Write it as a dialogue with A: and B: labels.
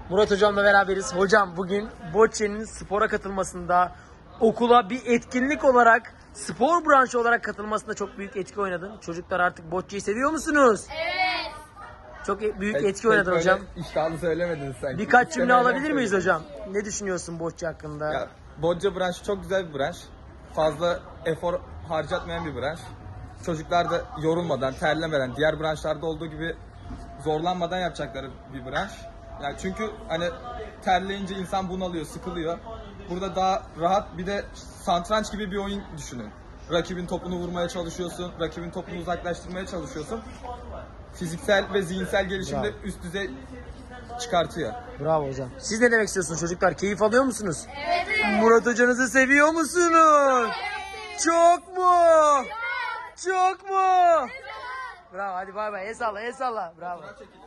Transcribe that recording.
A: Murat hocamla beraberiz. Hocam bugün Bocce'nin spora katılmasında, okula bir etkinlik olarak, spor branşı olarak katılmasında çok büyük etki oynadın. Çocuklar artık Bocce'yi seviyor musunuz?
B: Evet.
A: Çok büyük etki oynadın
C: böyle
A: hocam.
C: İştahlı söylemedin sanki.
A: Birkaç cümle
C: İstemeden
A: alabilir miyiz
C: söyledin.
A: hocam? Ne düşünüyorsun Bocce hakkında?
C: Ya, Bocce branşı çok güzel bir branş. Fazla efor harcatmayan bir branş. Çocuklar da yorulmadan, terlemeden, diğer branşlarda olduğu gibi zorlanmadan yapacakları bir branş. Yani çünkü hani terleyince insan bunalıyor, sıkılıyor. Burada daha rahat, bir de satranç gibi bir oyun düşünün. Rakibin topunu vurmaya çalışıyorsun, rakibin topunu uzaklaştırmaya çalışıyorsun. Fiziksel ve zihinsel gelişimde üst düzey çıkartıyor.
A: Bravo hocam. Siz ne demek istiyorsunuz çocuklar? Keyif alıyor musunuz? Evet. Murat hocanızı seviyor musunuz? Evet. Çok mu? Çok mu? Bravo, hadi bay bay. El salla, el salla. Bravo.